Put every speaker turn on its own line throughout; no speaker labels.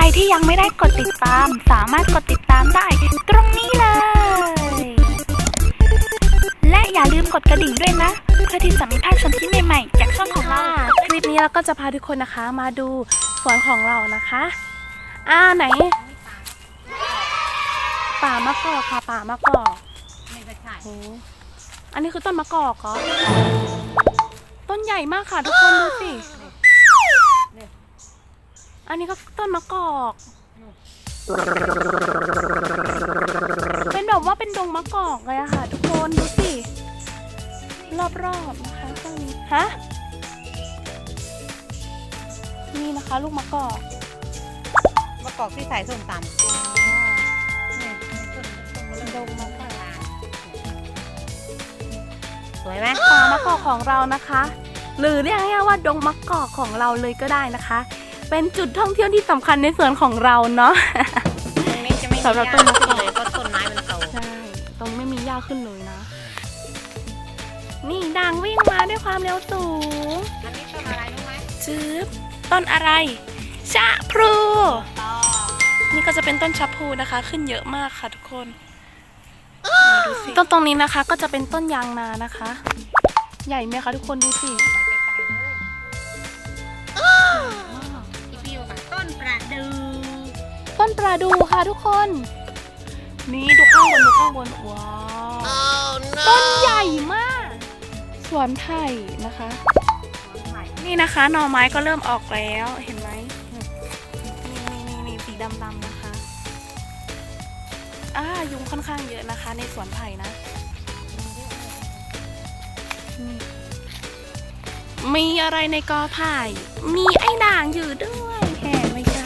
รที่ยังไม่ได้กดติดตามสามารถกดติดตามได้ตรงนี้เลย และอย่าลืมกดกระดิ่งด้วยนะเพื่อที่จะไม่พลาดชมคลิปใหม่ๆจากช่องของเรา
คลิปนี้เราก็จะพาทุกคนนะคะมาดูสวนของเรานะคะไหนป่ามะกอกค่ะป่ามะกอกโอ้อันนี้คือต้นมะกอกเหรอต้นใหญ่มากค่ะทุกคนดูสิอันนี้ก็ต้นมะกอกเป็นแบบว่าเป็นดงมะกอกเลยอะค่ะทุกคนดูสิรอบๆนะคะตรงนี้นี่นะคะลูกมะกอก
ที่ใส่ส้มตำ
ดงมะกอก
สวยไหม
ป่ามะกอกของเรานะคะหรือเรียกง่ายๆว่าดงมะกอกของเราเลยก็ได้นะคะเป็นจุดท่องเที่ยวที่สำคัญในสวนของเราเนาะ
ตรงนี้จะไม่มีหญ้าขึ้นเลยเพราะต้นไม้มันโต
ใช่ตรงไม่มีหญ้าขึ้นเลยนะนี่ด่างวิ่งมาด้วยความเร็วสูง
อันนี้ต้นอะไรรู้ไหม
ต้นอะไรชะพลูนี่ก็จะเป็นต้นชะพลูนะคะขึ้นเยอะมากค่ะทุกคนดูสิต้นตรงนี้นะคะก็จะเป็นต้นยางนานะคะใหญ่ไหมคะทุกคนดูสิ
ต้นประ
ดูค่ะทุกคนนี่ดูข้างบนว้าวต้นใหญ่มากสวนไผ่นะคะนี่นะคะหน่อไม้ก็เริ่มออกแล้วเห็นไหมนี่สีดำๆนะคะยุงค่อนข้างเยอะนะคะในสวนไผ่นะมีอะไรในกอไผ่มีไอ้ด่างอยู่ด้วยแห่ไม่ใช่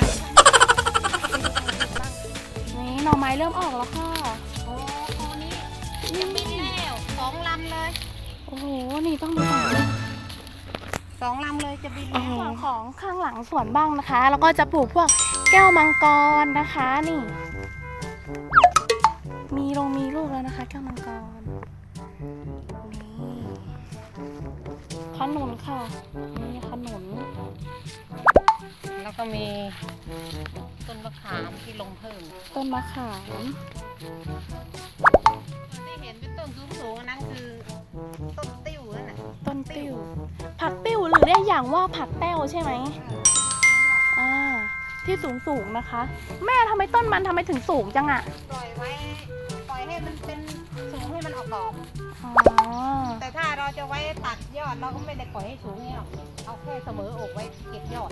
นี่หน่อไม้เริ่มออกแล้วค่ะ
โอ้โหนี่ยังมีแล้ว2 ลำเลย
โอ้โหนี่ต้องดูก่อน
2 ลำเลยจะบิน
ส่วนของข้างหลังสวนบ้างนะคะแล้วก็จะปลูกพวกแก้วมังกรนะคะนี่มีลูกแล้วนะคะแก้วมังกรนี่ขนุนค่ะนี่ขนุน
แล้วก็มีต้นมะขามที่ลงเพิ่ม
ต้นมะขาม
ที่เห็นเป็นต้นสูงๆนั่นคือต้นติ้วนั่นแหละ
ต้นติ้วผักติ้วหรือเรียกอย่างว่าผักแต้วใช่ไหมที่สูงนะคะแม่ทำไมต้นมันทำไมถึงสูงจังอะ
ปล่อยให้มันเป็นสูงให้มันออกดอกแต่ถ้าเราจะไว้ตัดยอดเราก็ไม่ได้ปล่อยให้สูงนี่หรอกเอาแค่เสมออกไว้เก็บยอด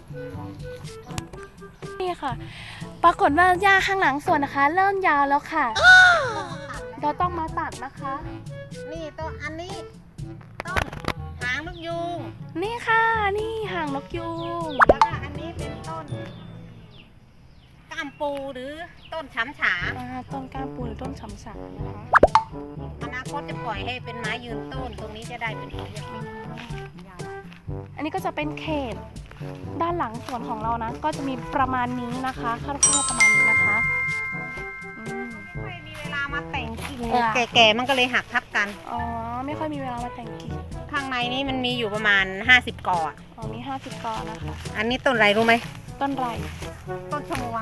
นี่ค่ะปรากฏว่าหญ้าข้างหลังสวนนะคะเริ่มยาวแล้วค่ะเราต้องมาตัดนะคะ
นี่ต้นอันนี้ต้นหางนกยูง
นี่ค่ะนี่หางนกยูง
แล้วก็อันนี้เป็นต้นก้ามปูหรือต้นฉำฉา
ต้นก้ามปูหรือต้นฉำฉานะคะ
อนาคตจะปล่อยให้เป็นไม้ยืนต้นตรงนี้จะได้เป็นต้น
อันนี้ก็จะเป็นเขตด้านหลังสวนของเรานะก็จะมีประมาณนี้นะคะคร่าวๆประมาณนี้นะคะ
ไม่มีเวลามาแต่งกิ่งแก่ๆมันก็เลยหักทับกัน
ไม่ค่อยมีเวลามาแต่งกิ่ง
ข้างในนี้มันมีอยู่ประมาณ50 กอ
มี50 กอนะคะ
อันนี้ต้นอะไรรู้ไหม
ต้นไร
ต้นชะมวง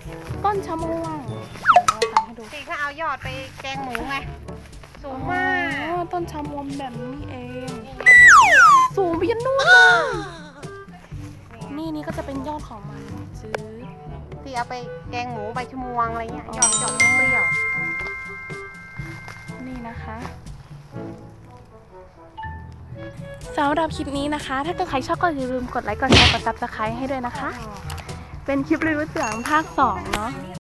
ที่เขาเอายอดไปแกงหมูไงสูงมาก
ต้นชะมวงแบบนี้เองสูงไปยันนู่นเลยนี่ก็จะเป็นยอดของมัน
ที่เอาไปแกงหมูใบชะมวงอะไรเงี้ยยอดเปรี้ยว
นี่นะคะสำหรับคลิปนี้นะคะถ้าเกิดใครชอบก็อย่าลืมกดไลค์กดแชร์กด Subscribe ให้ด้วยนะคะเป็นคลิปรีวิวเสียงภาค 2เนาะ